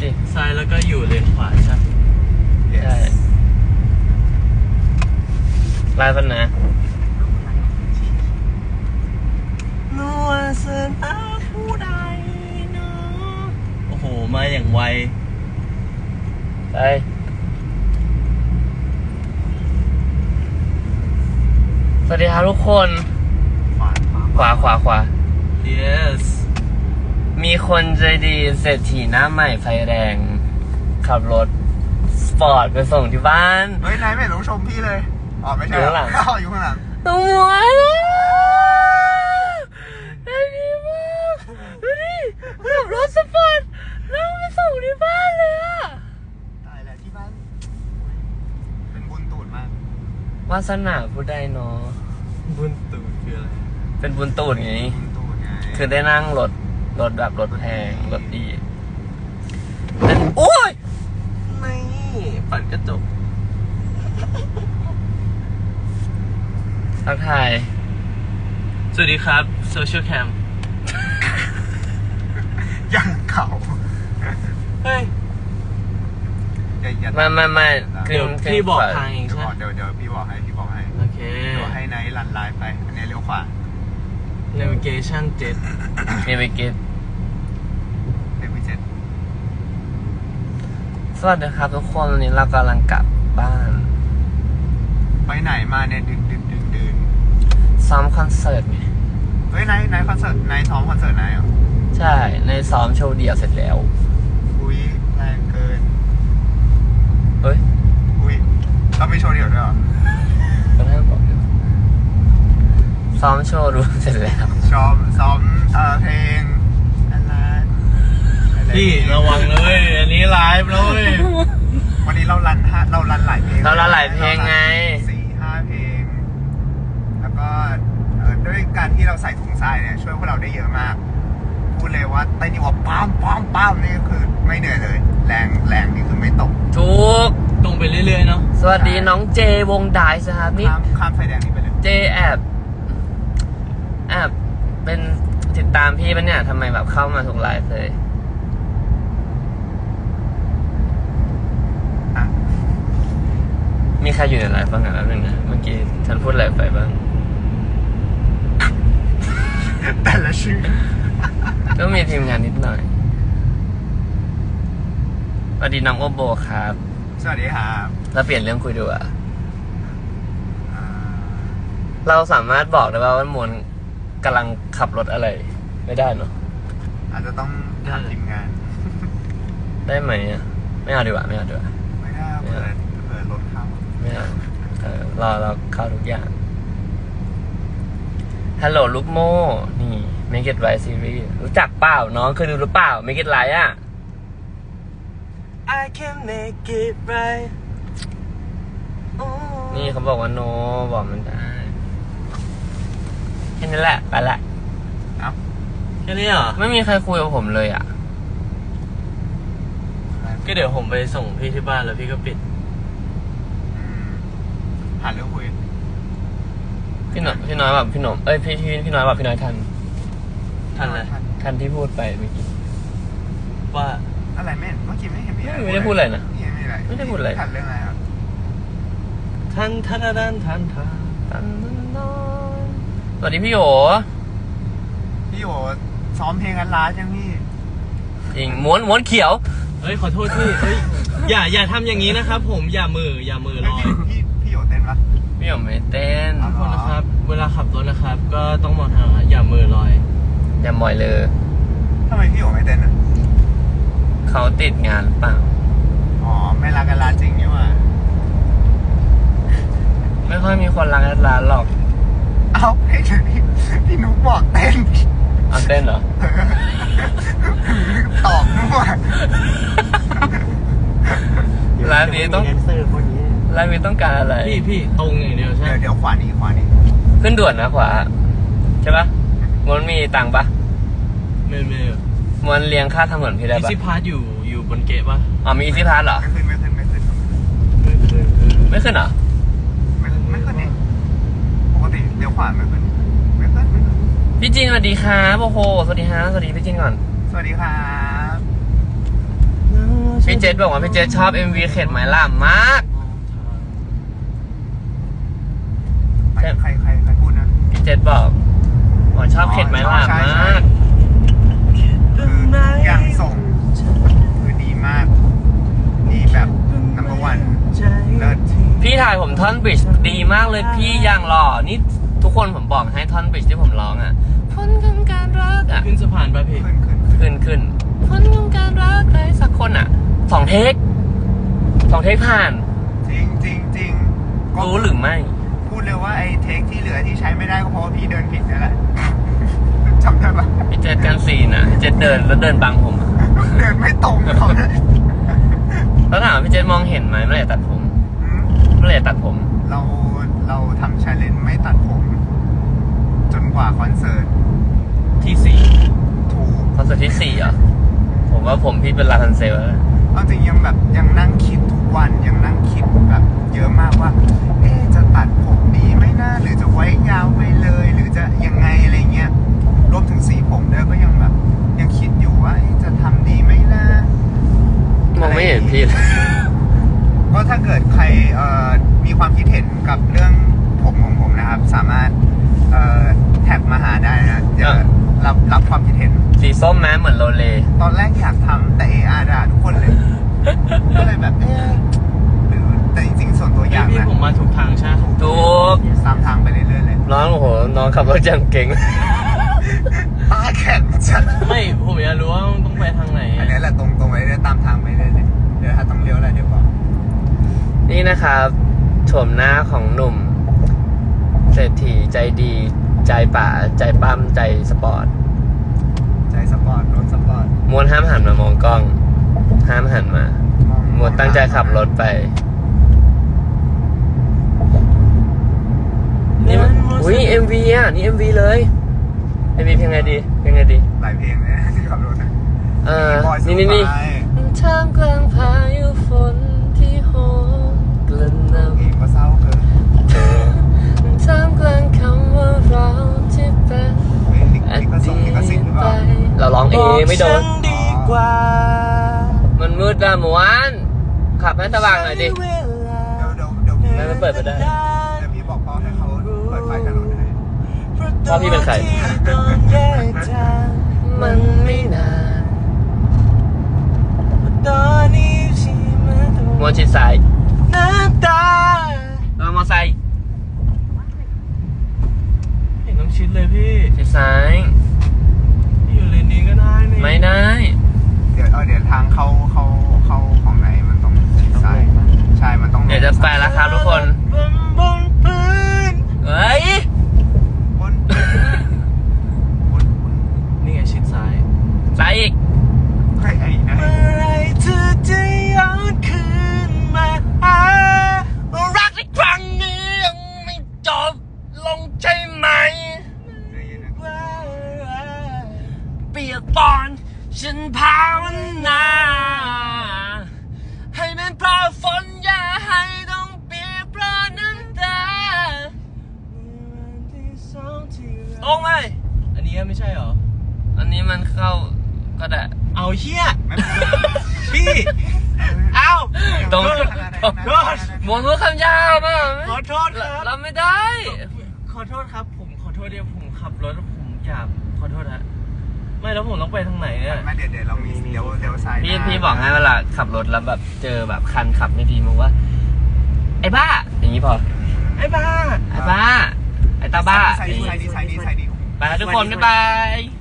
สิซ้ายแล้วก็อยู่เลนขวาใช่ใช่ไล่ปันนะนัวเสินอาผู้ใดเนาะโอ้โหมาอย่างไวไปสวัสดีครับทุกคน ขวา yes มีคนใจดีเศรษฐีหน้าใหม่ไฟแรง ขับรถสปอร์ตไปส่งที่บ้านเฮ้ยนายไม่ต้องชมพี่เลยอ๋อไม่ใช่อยู่ข้างหลังอยู่ข้างหลังตัวได้ดีมากดูดิขับรถสปอร์ตแล้วไปส่งที่บ้านเลยอะตายแล้วที่บ้านเป็นบุญตูดมากวาสนาผู้ใดเนาะบุญตูดคืออะไรเป็นบุญตูดไงบุญตูดไงคือได้นั่งรถแบบรถแพงรถดีนั่นโอ้ยไม่ปัดกระจกทักทายสวัสดีครับโซเชียลแคมยังเก่าเฮ้ยอย่าไม่เดี๋ยวพี่บอกทางเองใช่ไหมเดี๋ยวพี่บอกให้โอเคเดี๋ยวให้ไนท์ลันไลน์ไป อันนี้เลี้ยวขวา navigation มีไปกินเดี๋ยวพี่เจ็ดสวัสดีครับทุกคนวันนี้เรากำลังกลับบ้านไปไหนมาเนี่ยดึนซ้อมคอนเสิร์ตไงเฮ้ยไนท์คอนเสิร์ตไนท์ซ้อมคอนเสิร์ตไนท์เหรอใช่ในซ้อมโชว์เดี่ยวเสร็จแล้วอุ้ยแรงเกินเฮ้ยอุ้ยเราไม่โชว์เดี่ยวด้วยเหรอก็น่าบอกอยู่ซ้อมโชว์รวมเสร็จแล้วซ้อมเพลงอะไรพี่ระวังเลย อันนี้ไลฟ์เลยวันนี้เรารันหลายเพลงเราหลายเพลงไง 4-5 เพลง แล้วก็ด้วยการที่เราใส่ถุงทรายเนี่ยช่วยพวกเราได้เยอะมากพูดเลยว่าเต้นนี่ว่าป้ามนี่คือไม่เหนื่อยเลย แรงนี่คือไม่ตกทุกตรงไปเรื่อยๆเนาะสวัสดีน้องเจวงไดส์ครับนี่ข้ามไฟแดงนี่ไปเลยเจแอบเป็นติดตามพี่ปะเนี่ยทำไมแบบเข้ามาทุกไลฟ์เลยอ่ะมีใครอยู่ในไลฟ์บ้างอ่ะแล้วนึงนะเมื่อกี้ฉันพูดอะไรไปบ้างแต่ละชื่อก็มีทีมงานนิดหน่อยสวัสดีน้องโอโบครับสวัสดีครับแล้วเปลี่ยนเรื่องคุยดูอ่ะเราสามารถบอกได้ว่ามวลกำลังขับรถอะไรไม่ได้เนาะอาจจะต้องถามทีมงานได้ไหมอ่ะไม่เอาดีกว่าไม่เอาดีกว่าไม่ได้เปิดรถเข้าไม่เอาเราเข้าทุกอย่างฮัลโหลลูกโม่นี่ Make It Right Series รู้จักเปล่าน้องเคยดูหรือเปล่า Make It Right อ่ะ I can make it right นี่เขาบอกว่าโนบอกมันได้แค่นี้แหละไปละเอ้าแค่นี้เหรอไม่มีใครคุยกับผมเลยอ่ะก็เดี๋ยวผมไปส่งพี่ที่บ้านแล้วพี่ก็ปิดหาเรื่องคุยพี่น้อยแบบพี่หนมพี่น้อยแบบพี่น้อยทันทันเลยทันที่พูดไปเมื่อกี้ว่าอะไรไม่เห็นเมื่อกี้ไม่เห็นมีอะไรไม่ได้พูดอะไรนะไม่ได้พูดอะไรทันเรื่องอะไรครับทันสวัสดีพี่โอพี่โอซ้อมเพลงกันล้าจังพี่จริงม้วนเขียวเฮ้ยขอโทษพี่เฮ้ยอย่าทำอย่างนี้นะครับผมอย่ามือลอยพี่โอเต้นปะพี่โอไม่เต้นทุกคนนะครับ เวลาขับรถนะครับ ก็ต้องมองทางอย่ามือลอยอย่ามอยเลยทำไมพี่โอไม่เต้นอ่ะเขาติดงานหรือเปล่าอ๋อไม่รักกันล้าจริงนี่หว่าไม่ค่อยมีคนรักร้านหรอกเอ้าให้เดี๋ยวนี้พี่นุ๊กบอกเต้นเอาเต้นเหรอตอบด้วยร้านนี้ต้องร้านนี้ต้องการอะไรพี่ตรงอย่างเดียวใช่ไหมเดี๋ยวขวานี้ขึ้นด่วนนะขวาใช่ปะมันมีตังค์ปะไม่มันเลี้ยงค่าทางด่วนพี่ได้อีปะซี่พาร์ทอยู่บนเกะปะอ๋อมีอีซี่พาสเหรอไม่ขึ้นไม่ขึ้นเหรอไม่ขึ้นนี่ปกติเลี้ยวขวาไม่ขึ้นพี่จินสวัสดีครับโอ้โหสวัสดีฮะสวัสดีพี่จินก่อนสวัสดีครับอืมพี่เจษบอกว่าพี่เจษชอบ MV เข็ดไหมล่ะมากใครพูดนะพี่เจษบอกว่าชอบเข็ดไหมล่ะใช่มากคืออย่างส่งคือดีมากดีแบบnumber one เลิศพี่ถ่ายผมท่อนบริดจ์ดีมากเลยพี่อย่างหล่อนี่ทุกคนผมบอกให้ท่อนบริดจ์ที่ผมร้องอ่ะพ้นของการรักอ่ะขึ้นสะพานป่ะพี่ขึ้นพ้นของการรักใครสักคนอ่ะ2 เทคผ่านจริงก็รู้หรือไม่พูดเลยว่าไอ้เทคที่เหลือที่ใช้ไม่ได้ก็เพราะว่าพี่เดินผิดนั่นแหละ จำได้ปะพี่เจษกันซีนอ่ะพี่เจษเดินแล้วเดินบังผมอะเดินไม่ตรงเขาเลยแล้วถามว่าพี่เจษมองเห็นไหมเมื่อไหร่ตัดผมอืมเมื่อไหร่ตัดผมเราทำ challenge ไม่ตัดผม จนกว่าคอนเสิร์ตที่ถูกคอนเสิร์ตที่4เหรอผมว่าผมพี่เป็นลาทันเซลแล้วเอาจริงยังนั่งคิดทุกวันยังนั่งคิดแบบเยอะมากว่าจะตัดผมดีไหมนะหรือจะไว้ยาวไปเลย หรือจะยังไงอะไรเงี้ยรวมถึงสีผมด้วยก็ยังแบบยังคิดอยู่ว่าจะทำดีไหมนะมองไม่เห็นพี่เลยก็ถ้าเกิดใครมีความคิดเห็นกับเรื่องผมของผมนะครับ สามารถแท็กมาหาได้นะเดี๋ยวรับความคิดเห็นสีส้มแม้เหมือนโรเลตอนแรกอยากทำแต่ด่าทุกคนเลย ก็เลยแบบหรือแต่จริงๆส่วนตัวอยากพี่นะผมมาถูกทางใช่ไหมถูกตามทางไปเรื่อยๆเลยน้องโอ้โหน้องขับรถอย่างเก่งตาแข็งจัดไม่ผมอยากรู้ว่าต้องไปทางไหนอันนี้แหละตรงไปเรื่อยๆตามทางไปเรื่อยๆเลยเดี๋ยวถ้าต้องเลี้ยวอะไรเดี๋ยวบอกนี่นะครับโฉมหน้าของหนุ่ม เศรษฐีใจดี ใจป่าใจปั้มใจสปอร์ตใจสปอร์ตรถสปอร์ตมวนห้ามหันมามองกล้อง ห้ามหันมา มวนตั้งใจขับรถไป นี่มันอุ้ย MV อ่ะ นี่ MV เลย MV เพลงไงดีเพลงไงดีหลายเพลงเลยนะที่ขับรถนะนี่ไปท่ามกลางพายุฝนที่โหมกระหน่ำเพลงก็เศร้าเกินท่ามกลางคำว่าเราที่เป็นลิขสิทธิ์หรือเปล่าเราร้องเองไม่โดนดีกว่ามันมืดละหมวนขับให้สว่างหน่อยดิเดี๋ยวพี่ไม่เปิดไม่ได้เดี๋ยวพี่บอกพ่อให้เขาเปิดไฟถนนให้พ่อพี่เป็นใคร มันไม่นานตอนนี้ที่มามวนชิดซ้ายน้ำตาเรามอไซค์เห็นน้ำชิดเลยพี่ชิดซ้ายพี่อยู่เลนนี้ก็ได้นี่ไม่ได้เดี๋ยวทางเข้าของไหนมันต้องชิดซ้ายใช่มันต้องเดี๋ยวจะไปแล้วครับทุกคนบนพื้นเฮ้ยบนนี่ไงชิดซ้ายซ้ายอีกไอ้นะเมื่อไรเธอจะย้อนคืนมาหารักในครั้งนี้ยังไม่จบลงใช่ไหม เปียกปอนฉันภาวนาให้มันเพราะฝนอย่าให้ต้องเปียกเพราะน้ำตาตรงไหมอันนี้ไม่ใช่เหรออันนี้มันเข้าก็ได้เอาเฮียพี่ เอ้าตรงโทษหมวดรู้คำยาวมากขอโทษครับเราไม่ได้ขอโทษครับ ผมขอโทษเดี๋ยวผมขับรถแล้วผมอยากขอโทษฮะไม่แล้วผมต้องไปทางไหนเนี่ยมาเดี๋ยวเรามีเดี๋ยวซ้ายพี่บอกให้เวลาขับรถแล้วแบบเจอแบบคันขับไม่ดีมึงว่า ไอ้บ้า อย่างนี้พอไอ้บ้าไอ้บ้า ไอ้ตาบ้าซ้ายดีไปแล้วทุกคนบ๊ายบาย